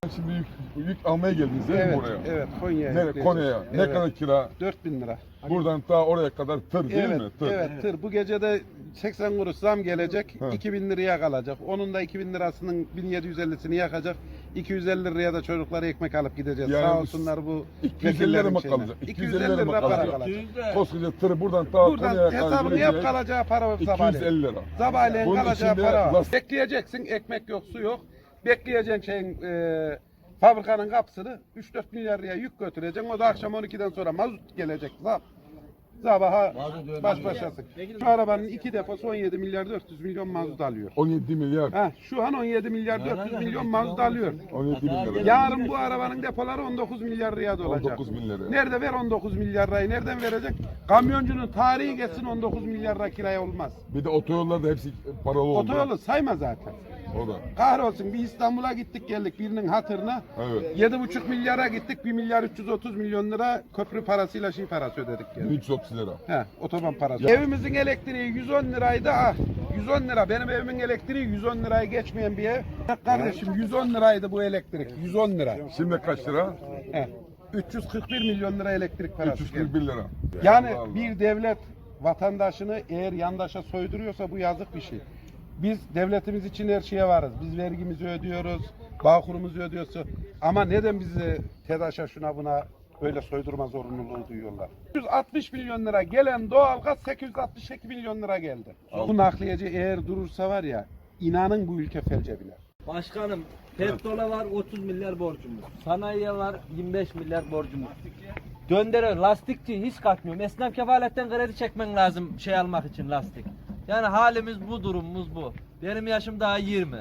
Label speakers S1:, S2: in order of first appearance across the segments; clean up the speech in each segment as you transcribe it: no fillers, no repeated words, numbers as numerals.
S1: şimdi yük almaya geldiniz değil mi buraya?
S2: Evet, Konya'ya.
S1: Nereye? Konya'ya. Ne
S2: Evet.
S1: kadar kira?
S2: 4.000 lira.
S1: Buradan ta oraya kadar tır değil
S2: Evet,
S1: mi? Tır.
S2: evet, tır. Bu gece de 80 kuruş zam gelecek,
S1: Ha.
S2: 2.000 liraya kalacak. Onun da 2.000 lirasının 1.750'sini yakacak. 250 liraya da çocuklara ekmek alıp gideceğiz.
S1: Yani
S2: Sağ olsunlar bu
S1: 250 lira mı
S2: vekillerin şeyine.
S1: kalacak?
S2: 250 lira para kalacak.
S1: Koskoca tırı buradan ta
S2: Buradan
S1: Konya'ya kadar
S2: hesabını yap,
S1: gidecek.
S2: kalacağı para var sabahleyin.
S1: 250 lira.
S2: Sabahleyin
S1: Bunun
S2: kalacağı
S1: içinde
S2: para var.
S1: lastik-
S2: Bekleyeceksin, ekmek yok, su yok. Bekleyeceksin fabrikanın kapısını 3-4 milyar liraya yük götüreceksin. O da akşam 12'den sonra mazot gelecek. Sabaha baş başasın. Şu arabanın 2 deposu 17 milyar 400 milyon mazot alıyor.
S1: 17 milyar.
S2: Ha, şu an 17 milyar 400 milyon mazot alıyor.
S1: 17 bin lira.
S2: Yarın bu arabanın depoları 19 milyar liraya dolacak.
S1: 19 bin lira.
S2: Nerede ver 19 milyar lirayı? Nereden verecek? Kamyoncunun tarihi geçsin 19 milyar lira kiraya olmaz.
S1: Bir de otoyollar da hepsi paralı oldu.
S2: Otoyolu sayma zaten.
S1: O da.
S2: Kahrolsun bir İstanbul'a gittik geldik birinin hatırına.
S1: Evet.
S2: 7,5 milyara gittik 1 milyar 330 milyon lira köprü parasıyla parası ödedik geldik.
S1: 330 lira.
S2: He, otoban parası. Evimizin elektriği 110 liraydı. 110 lira. Benim evimin elektriği 110 lirayı geçmeyen bir ev. Kardeşim 110 liraydı bu elektrik. 110 lira.
S1: Şimdi kaç lira?
S2: He. 341 milyon lira elektrik parası.
S1: 341 lira.
S2: Yani
S1: Allah.
S2: bir devlet vatandaşını eğer yandaşa soyduruyorsa bu yazık bir şey. Biz devletimiz için her şeye varız. Biz vergimizi ödüyoruz, bağkurumuzu ödüyoruz. Ama neden bizi TEDAŞ'a şuna buna böyle soydurma zorunluluğu duyuyorlar? 160 milyon lira gelen doğalgaz 862 milyon lira geldi. Bu nakliyeci eğer durursa var ya, inanın bu ülke felce biner.
S3: Başkanım, petrola var 30 milyar borcumuz. Sanayiye var 25 milyar borcumuz. Döndürüyor, lastikçi hiç kaçmıyor. Esnaf kefaletten kredi çekmen lazım şey almak için lastik. Yani halimiz bu, durumumuz bu. Benim yaşım daha 20.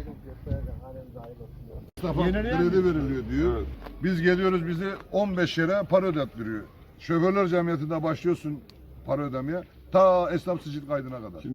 S4: Kredi veriliyor diyor. Biz geliyoruz bizi 15 yere para ödettiriyor. Şoförler Cemiyeti'nde başlıyorsun para ödemeye. Ta esnaf sicil kaydına kadar.